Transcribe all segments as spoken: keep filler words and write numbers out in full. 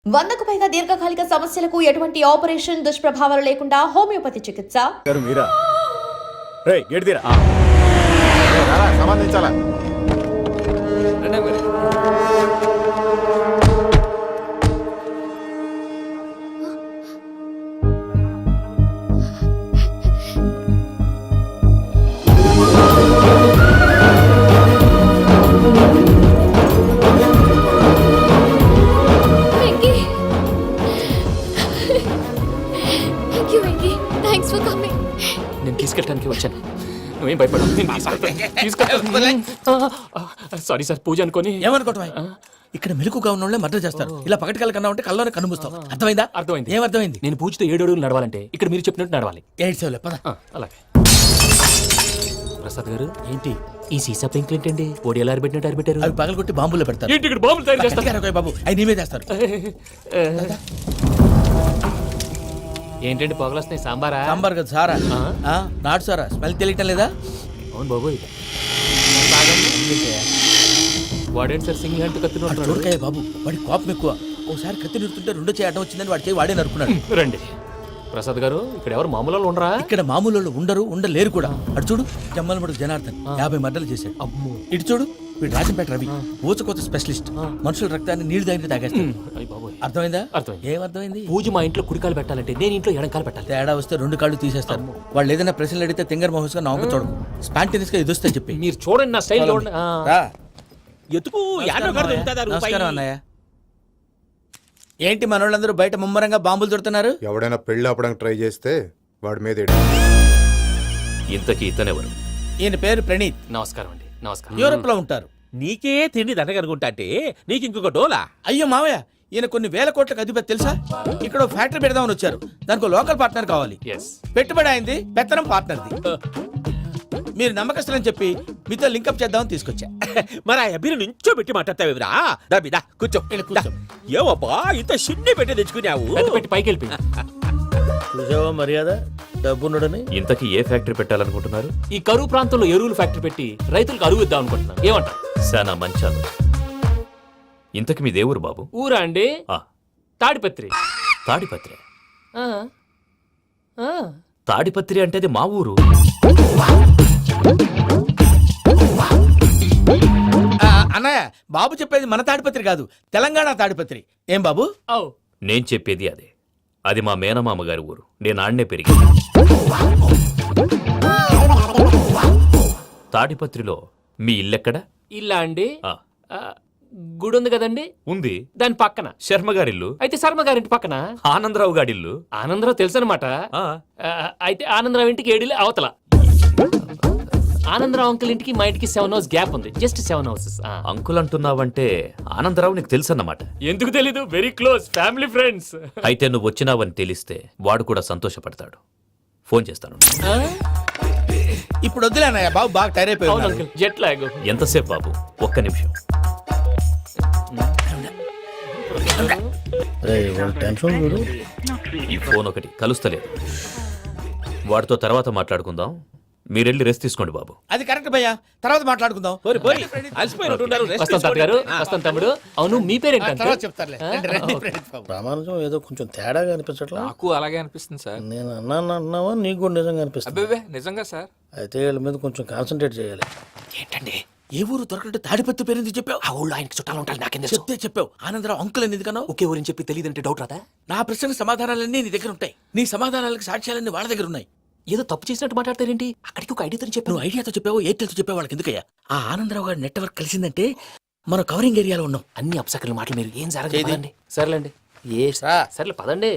వందకు పైగా దీర్ఘకాలిక సమస్యలకు ఎటువంటి ఆపరేషన్ దుష్ప్రభావాలు లేకుండా హోమియోపతి చికిత్స. మీరా రేయ్ గేట్ తీరా సంబంధించాలా నేను తీసుకెళ్ళడానికి వచ్చాను, నువ్వేం భయపడవు. సారీ సార్, పూజ అనుకోని. ఏమనుకోవటం? ఇక్కడ మెలకుగా ఉన్న వాళ్ళే మర్డర్ చేస్తారు. ఇలా పగటి కళ్ళ కన్నా ఉంటే కళ్ళలోనే కనుమూస్తావు. అర్థమైందా? అర్థమైంది. ఏమర్థమైంది? నేను పూజతో ఏడు అడుగులు నడవాలంటే ఇక్కడ మీరు చెప్పినట్టు నడవాలి. ఎయిట్ సెవెన్ పద. అలాగే. ప్రసాద్ గారు, ఏంటి ఈ సీసా పెంకులు ఏంటండి? ఓడి ఎలా అరబెట్టినట్టు అరబెట్టారు? అవి పగలగొట్టి బాంబులో పెడతారు. ఏంటి ఇక్కడ బాంబులు తయారు చేస్తారు? బాబు అవి నీవే చేస్తారు. ఏంటండి పొగలు వస్తున్నాయి? సాంబారా? సాంబార్ కదా సారా. నాటు సారా. స్మెల్ తెలియటం లేదా? అవును బాబు. వాడేంటి సార్ సింగిల్ హ్యాండ్ కత్తి చూడకాయ బాబు, వాడి కోపం ఎక్కువ. ఒకసారి కత్తి నిరుతుంటే రెండో చేయడం వచ్చిందని వాడి చేయి వాడే నరుకున్నాడు. రండి ప్రసాద్ గారు, ఇక్కడ ఎవరు మామూలు వాళ్ళు ఉండరా? ఇక్కడ మామూలు వాళ్ళు ఉండరు, ఉండలేరు కూడా. అటు చూడు, జమ్మలమడు జనార్దన్ యాభై మర్డర్లు చేశాడు. అమ్మో. ఇటు చూడు, వీడు రాజంపేట రవి ఊచకోత స్పెషలిస్ట్. మనుషుల రక్తాన్ని నీళ్లు దగ్గర తాగేస్తాడు. అర్థమైందా? అర్థమైంది. ఏమర్థమైంది? పూజ మా ఇంట్లో కుడికాలు పెట్టాలంటే నేను ఇంట్లో ఎడంకాలు పెట్టాలి. తేడా వస్తే రెండు కాళ్ళు తీసేస్తారు. వాళ్ళు ఏదైనా ప్రశ్నలు అడిగితే తింగర్ మహోస్ గా నవ్వు చూడకు. స్పాంటినియస్ గా ఎదుస్తా చెప్పి మీరు చూడండి నా స్టైల్. నమస్కారం అన్నయ్య. ఏంటి మనోళ్ళందరూ బయట ముమ్మరంగా బాంబులు దొరుకుతున్నారు? ఎవడైనా పెళ్లి ఆపడానికి ట్రై చేస్తే వాడి మీద ఇంతకీ ఇతనెవరు? ఈయన పేరు ప్రణీత్. నమస్కారం అండి. నమస్కారం. యూరోప్ లో ఉంటారు. నీకే తిండి దండగనుకుంటా అంటే నీకు ఇంకొక డోలా? అయ్యో మావయ్య, ఈయన కొన్ని వేల కోట్లకు అధిపతి తెలుసా? ఇక్కడ ఫ్యాక్టరీ పెడదామని వచ్చారు. దానికి లోకల్ పార్ట్నర్ కావాలి. పెట్టుబడి అయింది, పెత్తనం పార్ట్నర్ది. మీరు నమ్మకస్తులని చెప్పి మీతో లింకప్ చేద్దామని తీసుకొచ్చా. మరి ఆ అబ్బిని నుంచో పెట్టి మాట్లాడతావురా? దాబిదా కూర్చో. కూర్చో. ఏవబ్బా ఇంత షిన్ని పెట్టి తెచ్చుకున్నావు? పెట్టి పైకి వెళ్ళి చూసావా మర్యాద డబ్బున్నడని. ఇంతకీ ఏ ఫ్యాక్టరీ పెట్టాలనుకుంటున్నారు? ఈ కరువు ప్రాంతంలో ఎరువులు ఫ్యాక్టరీ పెట్టి రైతులకు అరువు ఇద్దాం అనుకుంటున్నాను. ఏమంటారు? శానా మంచాలు. ఇంతకి మీ దేవురు బాబు? ఊరా అండి? ఆ తాడిపత్రి. తాడిపత్రి? ఆ. ఆ. తాడిపత్రి అంటే అది మా ఊరు. అన్నయ్య, బాబు చెప్పేది మన తాడిపత్రి కాదు, తెలంగాణ తాడిపత్రి. ఏం బాబు? నేను చెప్పేది అదే. అది మా మేనమామ గారి ఊరు. నేను ఆడనే పెరిగింది. తాడిపత్రిలో మీ ఇల్లెక్కడ? ఇల్లా అండి? ఆ. గుడి ఉంది కదండి, ఉంది. దాని పక్కన శర్మ గారిల్లు. అయితే శర్మ గారింటి పక్కన ఆనందరావు గారిల్లు. ఆనందరావు తెలుసు అనమాట. అయితే ఆనందరావు ఇంటికి ఏడిలే అవతల. ఆనందరావు అంకుల్ ఇంటికి మా ఇంటికి సెవెన్ హౌస్ గ్యాప్ ఉంది. Just seven houses. అంకుల్ అంటున్నావంటే ఆనందరావు నీకు తెలుసు అన్నమాట. ఎందుకు తెలీదు? Very close family friends. అయితే నువ్వు వచ్చినావని తెలిస్తే వాడు కూడా సంతోషపడతాడు. ఫోన్ చేస్తాను. ఇప్పుడు వద్దులే అన్నయ్య, బాబు బాగా టైర్ అయిపోయాడు. Jet lag. ఎంతసేపు బాబు? ఒక్క నిమిషం. ఈ ఫోన్ ఒకటి కలుస్తలేదు. వాడితో తర్వాత మాట్లాడుకుందాం. మీరెళ్ళి రెస్ట్ తీసుకోండి బాబు. అది కరెక్ట్ భయ్యా, తర్వాత మాట్లాడుకుందాం. వస్తాం తాత గారు, వస్తాం తమ్ముడు. అవును, మీ పేరేంటి? ప్రామాణికం ఏదో కొంచెం తేడాగా అనిపించట్లా? నాకు అలాగే అనిపిస్తుంది సార్. నేను అన్నాను అన్నావా? నీకు కూడా నిజంగా అనిపిస్తుంది? అబ్బే నిజంగా సార్. అయితే వీళ్ళ మీద కొంచెం కాన్సన్ట్రేట్ చేయాలి. ఏంటండి? ఏ ఊరు దొరకట్టు తాడిపత్రి పేరు ఎందుకు చెప్పావు? ఆ ఊళ్ళో ఆయనకి చుట్టాలు ఉంటారు. నాకేం చెప్తే చెప్పావు. ఆనందరావు అంకుల్ అని ఎందుకన్నావు? ఒకే ఊరిని చెప్పి తెలియదంటే డౌట్ రాదా? నా ప్రశ్నకు సమాధానాలన్నీ నీ దగ్గర ఉంటాయి. నీ సమాధానాలకు సాక్ష్యాలన్నీ వాళ్ళ దగ్గర ఉన్నాయి. ఏదో తప్పు చేసినట్టు మాట్లాడతారేంటి? అక్కడికి ఒక ఐడియాతో చెప్పావు. నువ్వు ఐడియాతో చెప్పావు, ఎయిర్టెల్తో చెప్పావు, వాళ్ళకి ఎందుకయ్యా? ఆ ఆనందరావు గారి నెట్వర్క్ కలిసిందంటే మనం కవరింగ్ ఏరియాలో ఉన్నాం. అన్ని అప్సకర్ల మాటలు మీరు ఏం జరగదండి. సర్లేండి. ఏ సర్లే పదండి.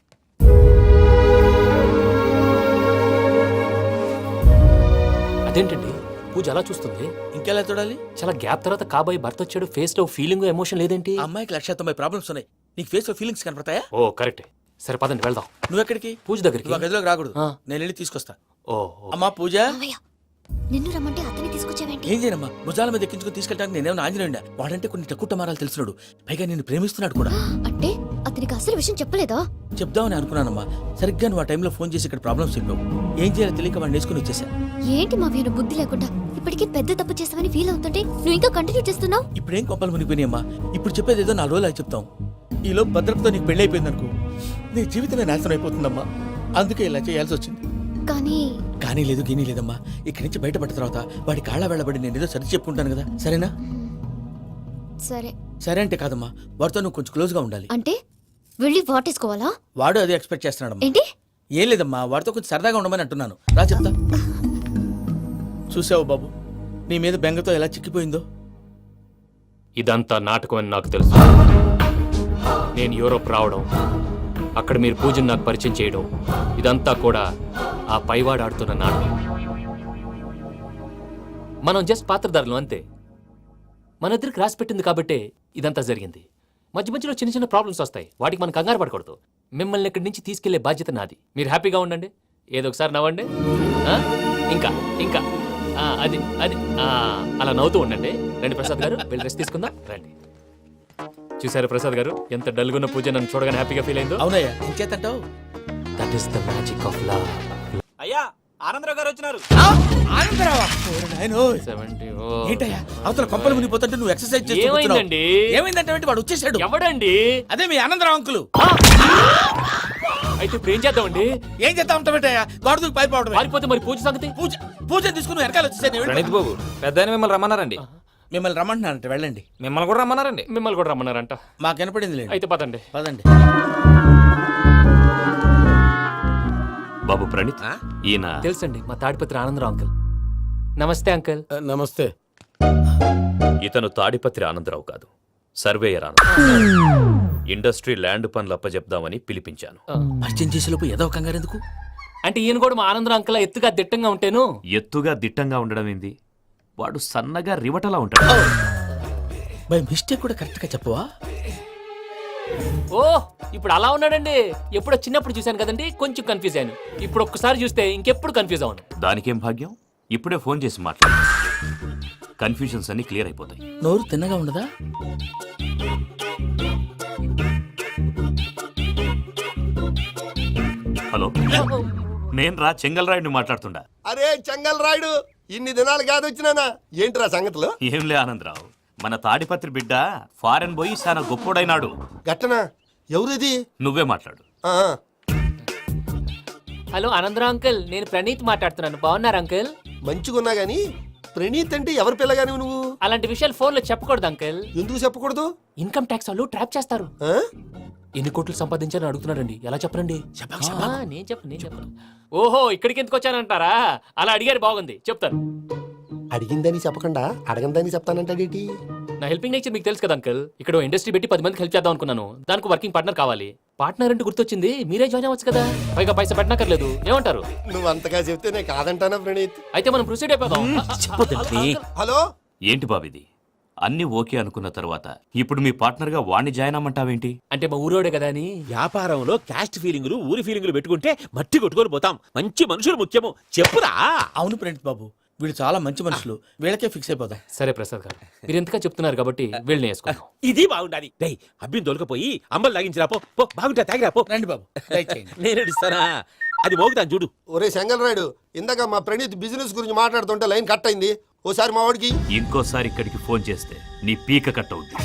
అదేంటండి పూజ అలా చూస్తుంది? ఇంకెలా చూడాలి? చాలా గ్యాప్ తర్వాత కాబోయే భర్త వచ్చాడు. ఫేస్ లో ఫీలింగ్ ఎమోషన్ లేదేంటి? అమ్మాయికి లక్ష తొంభై ప్రాబ్లమ్స్ ఉన్నాయి. నీకు ఫేస్ లో ఫీలింగ్స్ కనపడతాయా? ఓ కరెక్ట్. సరే పదండి వెళ్దాం. నువ్వు ఎక్కడికి? పూజ దగ్గరికి. నువ్వు గదిలోకి రాకూడదు, నేను వెళ్ళి తీసుకొస్తా. ఓ అమ్మా పూజ, నిన్ను రమ్మంటే అతన్ని తీసుకొచ్చావేంటి? ఏం చేయనమ్మా, భుజాల మీద ఎక్కించుకుని తీసుకెళ్ళడానికి నేనేమన్నా ఆంజనేయుడా? వాడంటే కొన్ని తక్కువ టమారాలు తెలిసినాడు, పైగా నేను ప్రేమిస్తున్నాడు కూడా. అంటే అతనికి అసలు విషయం చెప్పలేదా? చెప్దామని అనుకున్నానమ్మా, సరిగ్గా నువ్వు ఆ టైంలో ఫోన్ చేసి ఇక్కడ ప్రాబ్లమ్స్ చెప్పావు. ఏం చేయాలో తెలియక వాడిని వేసుకుని వచ్చేసా. ఏంటి మా వీరు బుద్ధి లేకుండా ఇప్పటికీ పెద్ద తప్పు చేసావని ఫీల్ అవుతుంటే నువ్వు ఇంకా కంటిన్యూ చేస్తున్నావు. ఇప్పుడేం కొంపలు మునిగిపోయినాయమ్మా. ఇప్పుడు చెప్పేది ఏదో నాలుగు రోజులు చెప్తాం. ఈలో భద్రతతో నీకు పెళ్లి అయిపోయింది అనుకో, నీ జీవితమే నాశనం అయిపోతుందమ్మా. అందుకే ఇలా చేయాల్సి వచ్చింది. కానీ కానీ లేదు గీనీ లేదమ్మా. ఇక్కడి నుంచి బయటపడిన తర్వాత వాడి కాళ్ళ వెళ్ళబడి నేను ఏదో సరి చెప్పుకుంటాను కదా, సరేనా? సరే సరే అంటే కాదమ్మా, వాడితో నువ్వు కొంచెం క్లోజ్గా ఉండాలి. అంటే వెళ్ళి వాటేసుకోవాలా? వాడు అదే ఎక్స్పెక్ట్ చేస్తున్నాడమ్మా. ఏంటి? ఏం లేదమ్మా, వాడితో కొంచెం సరదాగా ఉండమని అంటున్నాను. రా చెప్తా. చూసావు బాబు, నీ మీద బెంగతో ఎలా చిక్కిపోయిందో. ఇదంతా నాటకం అని నాకు తెలుసు. నేను యూరోప్ రావడం, అక్కడ మీరు పూజను నాకు పరిచయం చేయడం, ఇదంతా కూడా ఆ పైవాడు ఆడుతున్న నాటకం. మనం జస్ట్ పాత్రధారులు అంతే. మన ఇద్దరికి రాసి పెట్టింది కాబట్టే ఇదంతా జరిగింది. మధ్య మధ్యలో చిన్న చిన్న ప్రాబ్లమ్స్ వస్తాయి, వాటికి మనం కంగారు పడకూడదు. మిమ్మల్ని ఇక్కడి నుంచి తీసుకెళ్లే బాధ్యత నాది. మీరు హ్యాపీగా ఉండండి, ఏదో ఒకసారి నవ్వండి. ఆ? ఇంకా ఇంకా ఆ, అది అది ఆ, అలా నవ్వుతూ ఉండండి. రండి ప్రసాద్ గారు, వెళ్ళి రెస్ట్ తీసుకుందాం. రండి. చూసారు ప్రసాద్ గారు, ఎంత డల్గున్న పూజ నన్ను చూడగానే హ్యాపీగా ఫీల్ అయిందో. అవునయ్యా, ఇంకేతంటావు? That is the magic of love. అయ్యా ఆనందరావు గారు వచ్చినారు. ఆనందరావా? ఓరి నాయనోయ్. సెవెంటీ ఏంటయ్యా అవతల కొంపలు మునిగిపోతుంటే నువ్వు ఎక్సర్సైజ్ చేస్తూ కూర్చున్నావు. ఏమైందండి? ఏమైందంటే వాడు వచ్చేసాడు. ఎవడండి? అదే మీ ఆనందరావు అంకులు. అయితే ఇప్పుడు ఏం చేద్దామండి? ఏం చేస్తా ఉంటావేటయ్యా, గోడకు పైపోవడం. పారిపోతే మరి పూజ సంగతి? పూజ పూజ తీసుకుని వెనకాల వచ్చేసాను. ప్రణీత్ బాబు, పెద్ద ఆయన మిమ్మల్ని రమ్మన్నారండి. మిమ్మల్ని రమ్మంటున్నారంట, వెళ్ళండి. మిమ్మల్ని కూడా రమ్మన్నారండి. మిమ్మల్ని కూడా రమ్మన్నారంట. మాకు వినపడింది లేదు. అయితే పదండి. పదండి. బాబు ప్రణీత్, ఈయన తెలుసండి, మా తాడిపత్రి ఆనందరావు అంకుల్. నమస్తే అంకుల్. నమస్తే. ఇతను తాడిపత్రి ఆనందరావు కాదు, సర్వేయర్ ఆనందరావు. ఇండస్ట్రీ ల్యాండ్ పనులు అప్పజెప్దామని పిలిపించాను. పరిచయం చేసేలోపు ఏదో కంగారు ఎందుకు? అంటే ఈయన కూడా మా ఆనందరావు అంకుల్ ఎత్తుగా దిట్టంగా ఉంటాను. ఎత్తుగా దిట్టంగా ఉండడం ఏంది, వాడు సన్నగా రివటలా ఉంటాడు. బై మిస్టేక్ కూడా కరెక్ట్ గా చెప్పవా? ఓ, ఇప్పుడు అలా ఉన్నాడండి. ఎప్పుడో చిన్నప్పుడు చూశాను కదండి, కొంచెం కన్ఫ్యూజ్ అయ్యాను. ఇప్పుడు ఒక్కసారి చూస్తే ఇంకెప్పుడు కన్ఫ్యూజ్ అవ్వను. దానికేం భాగ్యం, ఇప్పుడే ఫోన్ చేసి మాట్లాడు. కన్ఫ్యూజన్స్ అన్ని క్లియర్ అయిపోతాయి. నోరు తిన్నగా ఉండదా? హలో, నేను రా చెంగల్రాయుడిని మాట్లాడుతుండా. అరే చెంగల్ రాయుడు, ఇన్ని దినాలు కాదు వచ్చినానా? ఏంట్రా సంగతులు? ఏంలే ఆనందరావు, మన తాడిపత్రి బిడ్డ ఫారెన్ పోయి చాలా గొప్పోడైనాడు. గట్టనా? ఎవరిది? నువ్వే మాట్లాడు. ఆ, హలో ఆనందరావు అంకుల్, నేను ప్రణీత్ మాట్లాడుతున్నాను. బాగున్నారు అంకుల్? మంచిగున్నా గాని ప్రణీత్ అంటే ఎవరి పిల్లగాని నువ్వు? అలాంటి విషయాలు ఫోన్లో చెప్పకూడదు అంకుల్. ఎందుకు చెప్పకూడదు? ఇన్కమ్ ట్యాక్స్ వాళ్ళు ట్రాప్ చేస్తారు. ఆ? ఎన్ని కోట్లు సంపాదించాలని అడుగుతున్నాడండి. ఎలా చెప్పరండి? ఆ, నేను చెప్పను నేను చెప్పను. ఓహో, ఇక్కడికి ఎందుకు వచ్చానంటారా? అలా అడిగారు, బాగుంది, చెప్తాను. అడిగిందని చెప్పకుండా అడగందని చెప్తానంటాడేటి? నా హెల్పింగ్ నేచర్ మీకు తెలుసు కదా అంకల్. ఇక్కడ ఇండస్ట్రీ పెట్టి పది మందికి హెల్ప్ చేద్దాం అనుకున్నాను. దానికి వర్కింగ్ పార్ట్నర్ కావాలి. పార్ట్నర్ అంటే గుర్తొచ్చింది, మీరే జాయిన్ అవ్వచ్చు కదా. పైగా పైసా పెట్టనక్కర్లేదు. ఏమంటారు? నువ్వు అంతగా చెప్తేనే కాదంటానా ప్రణీత్? అయితే మనం ప్రొసీడ్ అయిపోదాం. హలో, ఏంటి బాబిది, అన్ని ఓకే అనుకున్న తర్వాత ఇప్పుడు మీ పార్ట్నర్ గా వాణ్ణి జాయిన్ అమ్మంటావేంటి? అంటే మా ఊరోడే కదా అని. వ్యాపారంలో క్యాస్ట్ ఫీలింగులు ఊరి ఫీలింగులు పెట్టుకుంటే మట్టి కొట్టుకొని పోతాం. మంచి మనుషులు ముఖ్యము. చెప్పురా. అవును ప్రణీత్ బాబు, వీళ్ళు చాలా మంచి మనుషులు, వీళ్ళకే ఫిక్స్ అయిపోదాం. సరే ప్రసాద్ గారు, మీరు ఎంతగా చెప్తున్నారు కాబట్టి వీళ్ళని వేసుకుందాం. ఇది బాగుండాలి. డై అబ్బిని దొలకపోయి అమ్మలు లాగించిరా పో. పో, బాగుంటా తాగిరా పో. రండి బాబు, దయచేయండి. నేను ఇస్తానా? అది మోగుతాను చూడు. ఒరే చెంగల్ రాయుడు, ఇందాక మా ప్రణీత్ బిజినెస్ గురించి మాట్లాడుతుంటే లైన్ కట్ అయింది. ఓసారి మా వాడికి ఇంకోసారి ఇక్కడికి ఫోన్ చేస్తే నీ పీక కట్ అవుద్ది.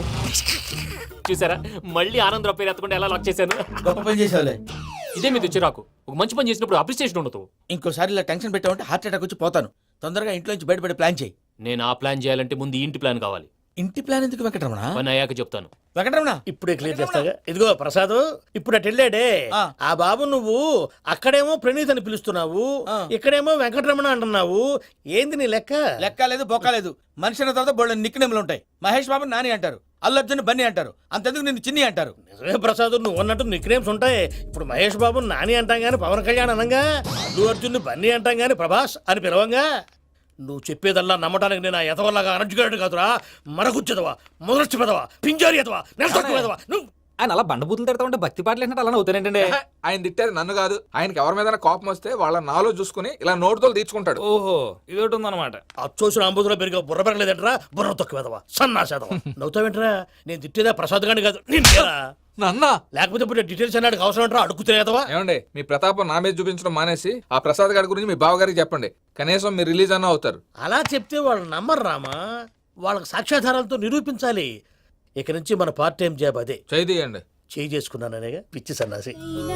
చూసారా, మళ్ళీ ఆనందరావు పేరు ఎత్తకుండా ఎలా లాక్ చేశాను. గొప్ప పని చేసేవాళ్ళే. ఇదే మీద చిరాకు. ఒక మంచి పని చేసినప్పుడు అప్రిసియేషన్ ఉండదు. ఇంకోసారి ఇలా టెన్షన్ పెట్టామంటే హార్ట్ అటాక్ వచ్చి పోతాను. తొందరగా ఇంట్లో నుంచి బయటపడే ప్లాన్ చేయి. నేను ఆ ప్లాన్ చేయాలంటే ముందు ఈ ఇంటి ప్లాన్ కావాలి. ఇంటి ప్లాన్ ఎందుకు వెంకటరమణ? పని అయ్యాక చెప్తాను. వెంకటరమణ ఇప్పుడే క్లియర్ చేస్తాగా. ఇదిగో ప్రసాద్, ఇప్పుడు అటు వెళ్ళాడే ఆ. ఆ బాబు, నువ్వు అక్కడేమో ప్రణీత్ అని పిలుస్తున్నావు, ఆ. ఇక్కడేమో వెంకటరమణ అంటున్నావు. ఏంది నీ లెక్క? లెక్క లేదు, బొక్క లేదు. మనిషి అన్న తర్వాత బోళ్ళ నిక్నెములు ఉంటాయి. మహేష్ బాబు నాని అంటారు, అల్లు అర్జున్ బన్నీ అంటారు, అంతెందుకు నిన్ను చిన్ని అంటారు. నిజమే ప్రసాద్, నువ్వు అన్నట్టు నిక్నేమ్స్ ఉంటాయి. ఇప్పుడు మహేష్ బాబు నాని అంటాం గాని పవన్ కళ్యాణ్ అనంగా, అల్లు అర్జున్ బన్నీ అంటాం గాని ప్రభాస్ అని పిలవంగా. నువ్వు చెప్పేదల్లా నమ్మటానికి నేను ఎదవల్లాగా అనర్జుగాడు కాదురా. మరగుచ్చదవా, మొదలచ్చి పెదవా, పింజారి ఎదవా, నెలసొక్కుదవా నువ్వు. ఆయన అలా బండబూతులు తిడతా ఉంటే భక్తి పాటలు ఏంటంటే అలా అవుతానంటే. ఆయన తిట్టేది నన్ను కాదు, ఆయనకి ఎవరి మీద కోపం వస్తే వాళ్ళ నాలో చూసుకుని ఇలా నోటుతో తీర్చుకుంటాడు. ఓహో, ఇదొకటి ఉందన్నమాట. అచ్చోసిన అంబుతులో పెరిగా బుర్ర పెరగలేదంటరా, బుర్ర తొక్కువేదవా, సన్నాసేదవా. నవ్వుతావేంట్రా? నేను తిట్టేదా ప్రసాద్ గాని కాదు నిన్నేరా. నన్న లేకపోతే ఇప్పుడు డీటెయిల్స్ అన్నాడు అవసరం అంటారా, అడుగుతులేదవా. ఏమండి, మీ ప్రతాపం నా మీద చూపించడం మానేసి ఆ ప్రసాద్ గారి గురించి మీ బావగారికి చెప్పండి. కనీసం మీరు రిలీజ్ అన్న అవుతారు. అలా చెప్తే వాళ్ళు నమ్మరు రామా. వాళ్ళకి సాక్ష్యాధారాలతో నిరూపించాలి. ఇక నుంచి మన పార్ట్ టైం జాబ్ అదే. చేయండి. చేయి చేసుకున్నాననేగా పిచ్చి సన్నాసి.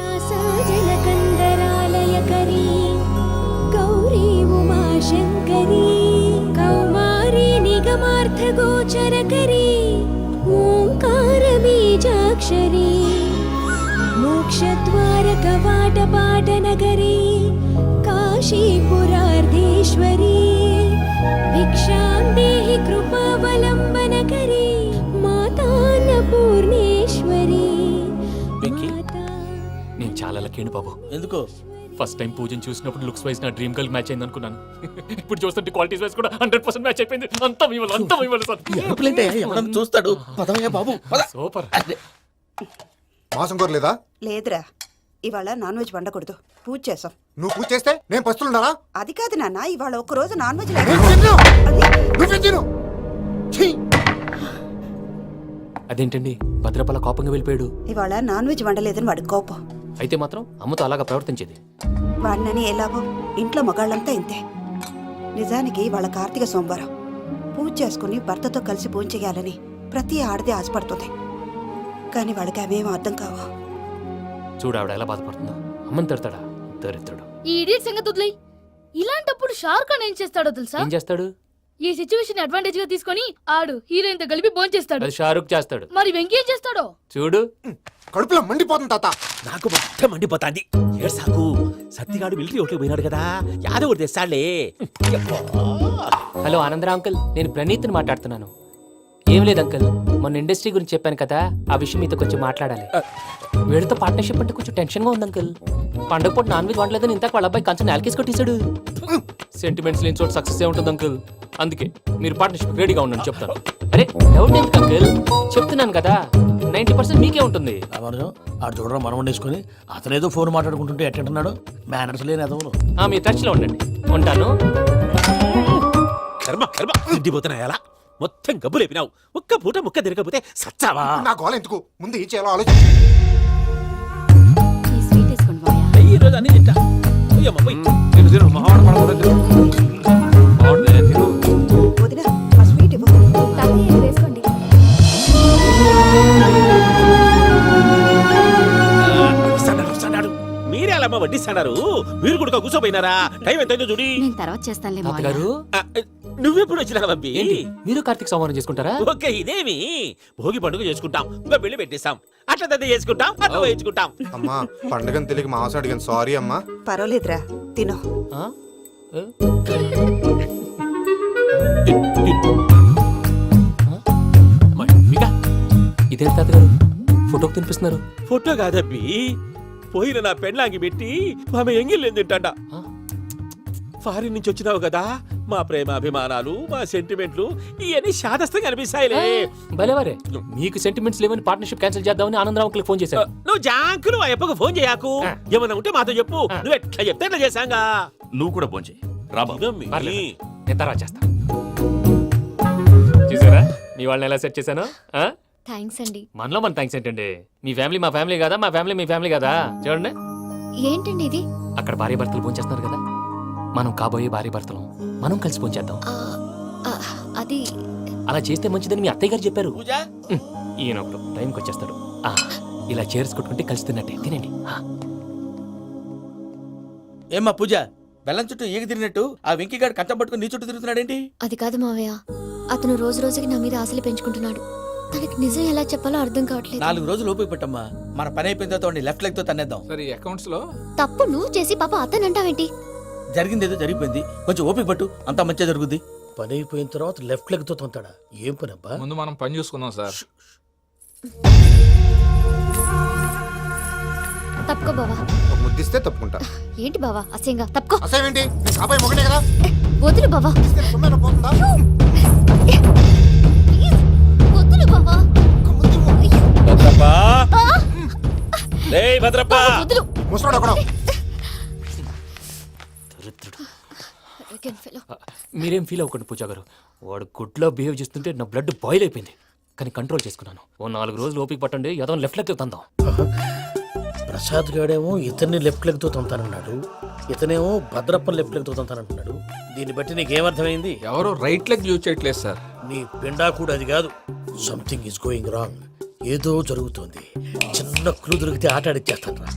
కైలాసజలకందరాలయకరీ గౌరీ ఉమాశంకరీ కౌమారీ నిగమార్థగోచరకరీ ఓంకారబీజాక్షరీ మోక్షద్వారకవాటపాటనగరీ కాశీపురార్ధేశ్వరీ భిక్షాం దేహి కృపావలంబనకరీ మాతాన్నపూర్ణేశ్వరీ. వెంకీ? మాతా నేను చాలా లక్కీ బాబు. ఎందుకో ఫస్ట్ టైం పూజను చూసినప్పుడు లుక్స్ వైజ్ నా డ్రీమ్ గర్ల్ మ్యాచ్ అయింది అనుకున్నాను. ఇప్పుడు చూస్తుంటే క్వాలిటీస్ వైజ్ కూడా హండ్రెడ్ పర్సెంట్ మ్యాచ్ అయిపోయింది. అంతా ఇవ్వాలి, అంతా ఇవ్వాలి సార్. ఎవడన్నా చూస్తాడు. పదవయ్యా బాబు పద. సూపర్. మాసం కోరలేదా? లేదురా, ఇవాళ నాన్ వెజ్ వండకూడదు. పూజ చేసాం. నువ్వు పూజ చేస్తే నేను పస్తులున్నానా? అది కాదు నాన్న, ఇవాళ ఒక్క రోజు నాన్ వెజ్ నేను తిన్ను. నువ్వే తిను. ఛీ! అదేంటండి భద్రపల కోపంగా వెళ్ళిపోయాడు? ఇవాళ నాన్ వెజ్ వండలేదని వాడి కోపం. అయితే మాత్రం అమ్మతో అలాగా ప్రవర్తించేది. వాడినని ఎలాగో ఇంట్లో మగాళ్ళంతా ఇంతే. నిజానికి వాళ్ళ కార్తీక సోమవారం పూజ చేసుకుని భర్తతో కలిసి పూజ చేయాలని ప్రతి ఆడది ఆశపడుతుంది. కానీ వాడికి అవేం అర్థం కావు. చూడు ఆవిడ ఎలా బాధపడుతుందో. అమ్మని తిడతాడా దరిద్రుడు. ఈ ఇడియట్ సంగతి వదిలేయ్. ఇలాంటప్పుడు షారుఖ్ ఖాన్ ఏం చేస్తాడో తెలుసా? ఏం చేస్తాడు? ఈ సిచ్యువేషన్ అడ్వాంటేజ్ గా తీసుకొని ఆడు హీరోయిన్ తో కలిపి బోన్ చేస్తాడు. అది షారుఖ్ చేస్తాడు. మరి వెంకీ ఏం చేస్తాడో చూడు. కడుపులో మండిపోతుంది తాత. నాకు మొత్తం మండిపోతాంది. ఏడు సాకు సత్తిగాడు మిలిటరీ ఒకటి పోయినాడు కదా, యాదవ్ ఒకటి తెస్తాడులే. హలో ఆనందరా అంకుల్, నేను ప్రణీత్ని మాట్లాడుతున్నాను. ఏం లేదు అంకుల్, మొన్న ఇండస్ట్రీ గురించి చెప్పాను కదా, ఆ విషయం మీతో కొంచెం మాట్లాడాలి. వీళ్ళతో పార్ట్నర్షిప్ అంటే కొంచెం టెన్షన్ గా ఉంది అంకుల్. పండగ పూట నాన్ వెజ్ వండలేదని ఇంతకు వాళ్ళ అబ్బాయి కంచెం నాలుకేసి కొట్టేశాడు. సెంటిమెంట్స్ లేని చోట సక్సెస్ ఏ ఉంటుంది అంకుల్. అందుకే మీరు పార్ట్నర్షిప్ రెడీగా ఉండండి చెప్తాను. అరే డౌట్ ఎందుకు అంకుల్, చెప్తున్నాను కదా, నైన్టీ పర్సెంట్ మీకే ఉంటుంది. రామానుజం ఆడు చూడడం మనం వండేసుకుని అతనేదో ఫోన్ మాట్లాడుకుంటుంటే ఎట్టంటున్నాడు. మేనర్స్ లేని అదవులు. ఆ, మీరు టచ్ లో ఉండండి. ఉంటాను. కర్మ కర్మ తిండిపోతున్నా ఎలా మొత్తం గబ్బు లేపినావు. ఒక్క పూట ముక్క తిరగకపోతే సచ్చావా? నా గోల ఎందుకు? ముందు ఏం చేయాలో ఆలోచించు. ఈ స్వీట్ వేసుకోండి బాయా. ఈ రోజు అన్ని తింటా. పోయమ్మ, పోయ్. వదినా ఆ స్వీట్ ఇవ్వు. వేసుకోండి. వస్తాడాడు, వస్తాడాడు. మీరే అలా అమ్మ వడ్డిస్తాడారు. మీరు కూడా కూర్చోపోయినారా? టైం ఎంతైందో చూడి. నేను తర్వాత చేస్తానులే తాతగారు ఆ, నువ్వెప్పుడు వచ్చినా బంపి? ఏంటి మీరు కార్తీక్ సంహారం చేసుకుంటారా? ఓకే, ఇదేమి భోగి పండుగ చేసుకుంటాం, ఇంకా పెళ్లి పెట్టేస్తాం, అట్లా దద్ద చేసుకుంటాం, అట్లా వేయించుకుంటాం. అమ్మా పండుగని తెలియక మాసం అడిగాను, సారీ అమ్మా. పర్వాలేదురా, తిను. ఆ? ఏ? అమ్మా, ఇంకా ఇదేంటి తాతగారు ఫోటోకి తినిపిస్తున్నారు? ఫోటో కాదబ్బి, పోయిన నా పెళ్ళాంగి పెట్టి ఆమె ఎంగిల్లేం తింటాడ. ఆ? ఫారిన్ నుంచి వచ్చినావు కదా, మా ప్రేమ అభిమానాలు, మా సెంటిమెంట్లు ఇవన్నీ శాదస్తంగా అనిపిస్తాయిలే. భలేవారే, మీకు సెంటిమెంట్స్ లేవని పార్ట్నర్షిప్ క్యాన్సిల్ చేద్దామని ఆనందరావు అంకుల్ ఫోన్ చేశారు. నువ్వు జాంకులు ఆ అప్పకు ఫోన్ చేయకు. ఏమన్నా ఉంటే మాతో చెప్పు. నువ్వు ఎట్లా చెప్తే ఎట్లా చేశాంగా. నువ్వు కూడా ఫోన్ చేయి రాబా. ఇదమ్మి. పర్లేదు, నేను తర్వాత చేస్తా. చూసారా మీ వాళ్ళని ఎలా సెట్ చేశాను? ఆ? థ్యాంక్స్ అండి. మనలో మన థ్యాంక్స్ ఏంటండి? మీ ఫ్యామిలీ మా ఫ్యామిలీ కదా, మా ఫ్యామిలీ మీ ఫ్యామిలీ కదా. చూడండి, ఏంటండి ఇది? అక్కడ భార్య భర్తలు ఫోన్ చేస్తున్నారు కదా, మనం కాబోయే భార్య భర్తలు మనం కలిసి ఫోన్ చేద్దాం. ఆ, ఆ, అది అలా చేస్తే మంచిదని మీ అత్తయ్య గారు చెప్పారు. పూజ ఉమ్, ఈయన ఒకడు టైంకి వచ్చేస్తాడు. ఆ, ఇలా చేర్స్ కొట్టుకుంటే కలిసి తిన్నట్టే తినండి. ఆ. ఏమ్మా పూజ, బెల్లం చుట్టూ ఈగ తిరిగినట్టు ఆ వెంకీగాడు కంచం పట్టుకుని నీ చుట్టూ తిరుగుతున్నాడేంటి? అది కాదు మావయ్య, అతను రోజు రోజుకి నా మీద ఆశలు పెంచుకుంటున్నాడు. తనకి నిజం ఎలా చెప్పాలో అర్థం కావట్లేదు. నాలుగు రోజులు ఓపిక పట్టమ్మా, మన పని అయిపోయిన తర్వాత లెఫ్ట్ లెగ్ తో తన్నేద్దాం. సరే అకౌంట్స్ లో తప్పు నువ్వు చేసి పాప అతను అంటావేంటి? జరిగింది ఏదో జరిగిపోయింది, కొంచెం ఓపిక పట్టు, అంతా మంచిగా జరుగుద్ది. పని అయిపోయిన తర్వాత లెఫ్ట్ లెగ్ తో తొంతాడా? ఏం పని అబ్బా? ముందు మనం పని చూసుకుందాం సార్. తప్పుకో బావా. ఒక ముద్దిస్తే తప్పుకుంటా. ఏంటి బావా అసహ్యంగా? తప్పుకో. అసేమేంటి? నీ కాబోయే మొగనే కదా. వదులు బావా. ఇస్తే సొమ్మేనా పోతుందా? ప్లీజ్, వదులు బావా. భద్రప్ప, రేయ్ భద్రప్ప. వదులు. ముసరాడు అక్కడ. దరిద్రుడు. Arrogant fellow. ఆ, మీరేం ఫీల్ అవ్వకండి పూజా గారు. వాడు గుడ్లో బిహేవ్ చేస్తుంటే నా బ్లడ్ బాయిల్ అయిపోయింది, కానీ కంట్రోల్ చేసుకున్నాను. ఓ నాలుగు రోజులు ఓపిక పట్టండి, ఏదో లెఫ్ట్ లెగ్ తందాం. ప్రసాద్ గాడేమో ఇతన్ని లెఫ్ట్ లెగ్ తో తొంతానన్నాడు, ఇతనేమో భద్రప్పని లెఫ్ట్ లెగ్ తో తొంతానంటున్నాడు. దీన్ని బట్టి నీకేమర్థమైంది? ఎవరు రైట్ లెగ్ యూజ్ చేయట్లేదు సార్. నీ పిండా కూడా అది కాదు. Something is going wrong. ఏదో జరుగుతోంది. చిన్న క్లూ దొరికితే ఆట ఆడిచ్చేస్తాను రా.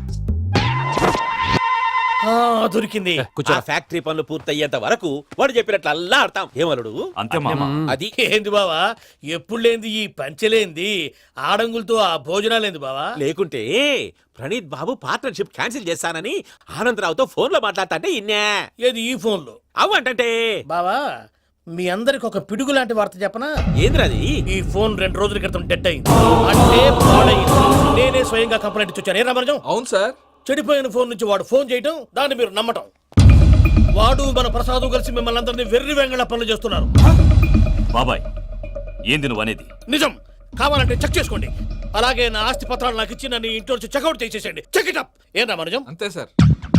ఆ, దొరికింది. ఆ ఫ్యాక్టరీ పనులు పూర్తయ్యేంత వరకు వాడు చెప్పినట్లు అల్లా ఆడతాం ఏమలుడు అంతే మామ అది ఏంది బావా, ఎప్పుడు లేంది ఈ పంచలేంది, ఆడంగులతో ఆ భోజనాలేంది బావా? లేకుంటే ప్రణీత్ బాబు పార్ట్నర్షిప్ క్యాన్సిల్ చేస్తానని ఆనందరావుతో ఫోన్ లో మాట్లాడతాంటే ఇన్నే ఏది ఈ ఫోన్లో? అవ్వంటే బావా, మీ అందరికి ఒక పిడుగు లాంటి వార్త చెప్పనా? ఏంద్రది? ఈ ఫోన్ రెండు రోజుల క్రితం డెడ్ అయింది. అంటే పాడైంది. నేనే స్వయంగా కంప్లైంట్ ఇచ్చి వచ్చాను. ఏ రామరాజం? అవును సార్. చెడిపోయిన ఫోన్ నుంచి వాడు ఫోన్ చేయటం, దాన్ని మీరు నమ్మటం. వాడు మన ప్రసాదు కలిసి మిమ్మల్ని అందరినీ వెర్రి వెంగళ పనులు చేస్తున్నారు. బాబాయ్ ఏంది నువ్వు అనేది? నిజం. కావాలంటే చెక్ చేసుకోండి. అలాగే నా ఆస్తి పత్రాలు నాకు ఇచ్చి నన్ను ఇంట్లో నుంచి చెక్అౌట్ చేసేసండి. Check it up. ఏం రామరాజం? అంతే సార్.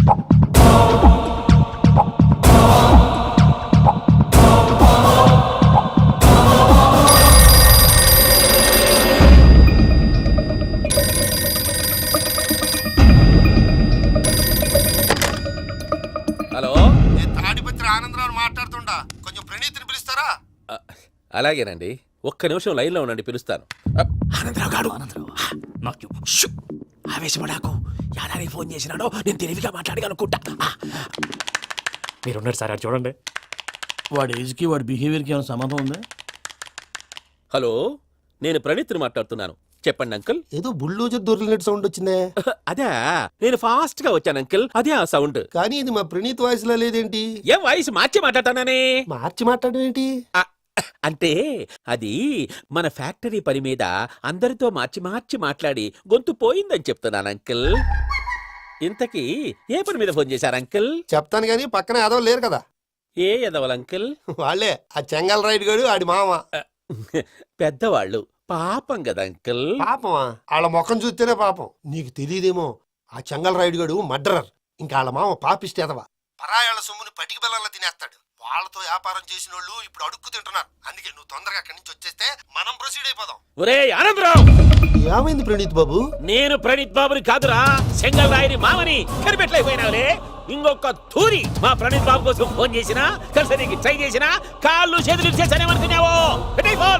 హలో, నేను తాడిపత్రి ఆనందరావు మాట్లాడుతుండా, కొంచెం ప్రణీతిని పిలుస్తారా? అ, అలాగేనండి. ఒక్క నిమిషం లైన్ లో ఉండండి, పిలుస్తాను. అ, ఆనందరావు గాడు నాకు షు! ఆవేశపడాకు. యాదానికి ఫోన్ చేసినాడో నేను తెలివిగా మాట్లాడగలనుకుంటా. ఆ, మీరున్నారు సార్, అది చూడండి. వాడి ఏజ్కి వాడి బిహేవియర్కి ఏమైనా సంబంధం ఉందా? హలో, నేను ప్రణీత్ని మాట్లాడుతున్నాను. చెప్పండి అంకుల్. ఏదో బుల్డోజర్ దొరికినట్టు సౌండ్ వచ్చిందే. అదే నేను ఫాస్ట్ గా వచ్చాను అంకుల్. అదే ఆ సౌండ్. కానీ ఇది మా ప్రణీత్ వాయిస్ లో లేదేంటి? ఏం వాయిస్ మార్చి మాట్లాడతానని? మార్చి మాట్లాడడం ఏంటి? ఆ, అంటే అది మన ఫ్యాక్టరీ పని మీద అందరితో మార్చి మార్చి మాట్లాడి గొంతు పోయిందని చెప్తున్నాను అంకుల్. ఇంతకీ ఏ పని మీద ఫోన్ చేశారు అంకుల్? చెప్తాను గానీ పక్కన ఏదో లేరు కదా. ఏ ఎదవల్ అంకుల్? వాళ్ళే ఆ చెంగల్ రైడ్ గడు ఆడి మామ. పెద్దవాళ్ళు పాపం కదా అంకుల్. పాపమా? వాళ్ళ ముఖం చూస్తేనే పాపం. నీకు తెలియదేమో, ఆ చెంగల్ రైడ్ గడు మర్డరర్. ఇంకా వాళ్ళ మామ పాపిస్తేదవా. పరాయాళ్ళ సొమ్ముని పటికి బెల్లంలో తినేస్తాడు. వాళ్ళతో వ్యాపారం చేసిన వాళ్ళు ఇప్పుడు అడుక్కు తింటున్నారు. అందుకే నువ్వు తొందరగా అక్కడి నుంచి వచ్చేస్తే మనం ప్రొసీడ్ అయిపోదాం. ఒరే ఆనందరావు, ఏమైంది ప్రణీత్ బాబు? నేను ప్రణీత్ బాబుని కాదురా, సెంగల్ రాయని మామని. కనిపెట్టలేకపోయినావులే. ఇంకొక తూరి మా ప్రణీత్ బాబు కోసం ఫోన్ చేసినా, కలిసి నీకు ట్రై చేసినా కాళ్ళు చేతులు చేశానేమనుకున్నావో. పెట్టేయ్ ఫోన్.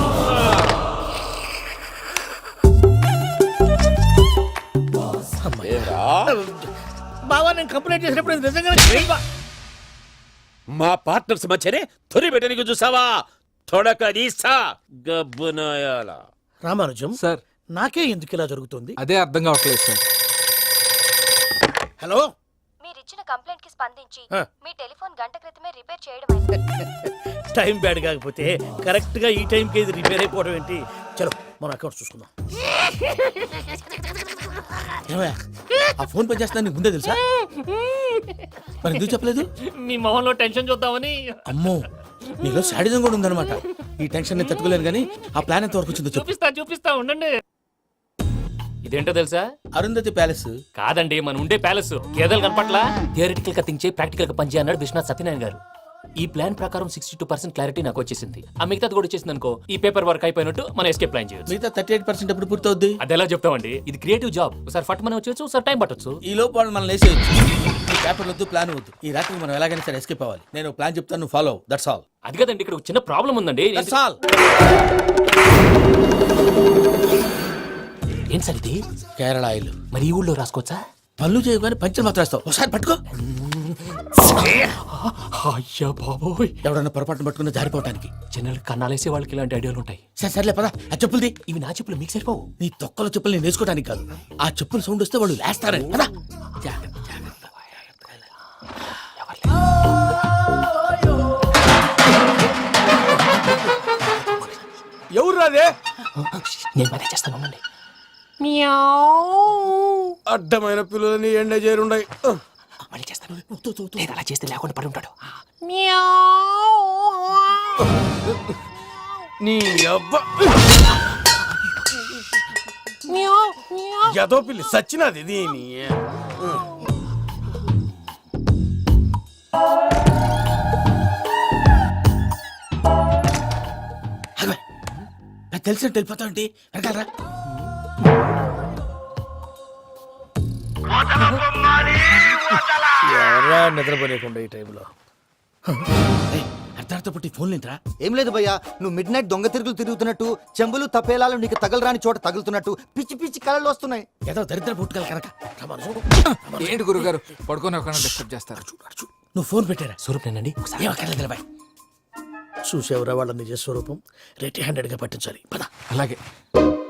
బావా, నేను కంప్లైంట్ చేసినప్పుడు ఇది నిజంగానే మా పార్ట్నర్స్ మధ్యనే తొలి పెట్టడానికి చూసావా? తొడక తీసా గబ్బునాయాల. రామానుజం సార్. నాకే ఎందుకు ఇలా జరుగుతుంది? అదే అర్థం కావట్లేదు సార్. హలో, మీరిచ్చిన కంప్లైంట్ కి స్పందించి ఆ. మీ టెలిఫోన్ గంట క్రితమే రిపేర్ చేయడం టైం బ్యాడ్ కాకపోతే కరెక్ట్ గా ఈ టైంకి ఇది రిపేర్ అయిపోవడం ఏంటి? చలో మన అకౌంట్ చూసుకుందాం. ఏమయ్య, ఆ ఫోన్ పని చేస్తున్నా నీకు ముందే తెలుసా? మరి ఎందుకు చెప్పలేదు? మీ మొహంలో టెన్షన్ చూద్దామని. అమ్మో, నీలో శాడిజం కూడా ఉందన్నమాట. ఈ టెన్షన్ నేను తట్టుకోలేను కానీ ఆ ప్లాన్ ఎంత వరకు వచ్చిందో చెప్పు. చూపిస్తా చూపిస్తా ఉండండి. ఇదేంటో తెలుసా? అరుంధతి ప్యాలెస్. కాదండి, మన ఉండే ప్యాలెస్. గేదెలు కనపట్లా? థియరిటికల్ గా థింక్ చేయి, ప్రాక్టికల్ గా పనిచేయ అన్నాడు విశ్వనాథ్ సత్యనారాయణ గారు. ఈ ప్లాన్ ప్రకారం సిక్స్టీ టూ పర్సెంట్ క్లారిటీ నాకు వచ్చేసింది. ఆ మిగతాది కూడా వచ్చేసింది అనుకో, ఈ పేపర్ వర్క్ అయిపోయినట్టు మన ఎస్కేప్ ప్లాన్ చేయొచ్చు. మిగతా థర్టీ ఎయిట్ పర్సెంట్ ఎప్పుడు పూర్తవుద్ది? అది ఎలా చెప్తామండి? ఇది క్రియేటివ్ జాబ్. ఒకసారి ఫట్ మనం వచ్చేచ్చు, ఒకసారి టైం పట్టొచ్చు. ఈ లోపు వాళ్ళు మనం లేసేయచ్చు. ఈ పేపర్ వద్దు, ప్లాన్ వద్దు. ఈ రాత్రి మనం ఎలాగైనా సరే ఎస్కేప్ అవ్వాలి. నేను ప్లాన్ చెప్తాను, నువ్వు ఫాలో. That's all. అది కదండి, ఇక్కడ ఒక చిన్న ప్రాబ్లం ఉందండి. That's all. ఏం సార్ ఇది? కేరళ ఆయిల్. మరి ఈ ఊళ్ళో రాసుకోవచ్చా? పళ్ళు చేయగానే పంచర్ మాత్రం వేస్తావు. ఒకసారి పట్టుకో. అయ్యా బాబోయ్, ఎవడన్నా పొరపాటున పట్టుకున్న జారిపోవటానికి. జనరల్ కన్నాలేసే వాళ్ళకి ఇలాంటి ఐడియాలు ఉంటాయి. సరే సర్లే పదా, ఆ చెప్పులది. ఇవి నా చెప్పులు మీకు సరిపోవు. నీ తొక్కల చెప్పులు నేను వేసుకోవడానికి కాదు, ఆ చెప్పులు సౌండ్ వస్తే వాళ్ళు లేస్తారని. పదా. జాగ్రత్త, జాగ్రత్త. ఎవరు రాదే? నేను మేనేజ్ చేస్తాను, ఉండండి. అడ్డమైన పిల్లలని ఎండ చేరుండయి. మళ్ళీ చేస్తాను. లేదు, అలా చేస్తే లేకుండా పడి ఉంటాడు. నీ అబ్బా ఎదో పిల్లి సచ్చినది దీని. నాకు తెలిసినట్టు వెళ్ళిపోతా ఉంటే వెనకాలరా. ఎవరా నిద్రపోలేకుండా ఈ టైంలో? ఏయ్, అర్ధార్థ పుట్టి ఫోన్ లేంట్రా ఏం లేదు భయ్యా నువ్వు మిడ్ నైట్ దొంగ తిరుగులు తిరుగుతున్నట్టు చెంబులు తపేలాలు నీకు తగలరాని చోట తగులుతున్నట్టు పిచ్చి పిచ్చి కళలు వస్తున్నాయి. ఏదో దరిద్ర పుట్టుకల కనుక రమ్మను చూడు. ఏంటి గురుగారు పడుకొని ఒక డిస్టర్బ్ చేస్తారు. నువ్వు ఫోన్ పెట్టారా స్వరూప్ నేనండి ఏం అక్కర్లేదు బాయ్. చూసేవరా వాళ్ళ నిజ స్వరూపం రెట్టి హ్యాండెడ్ గా పట్టించాలి పద అలాగే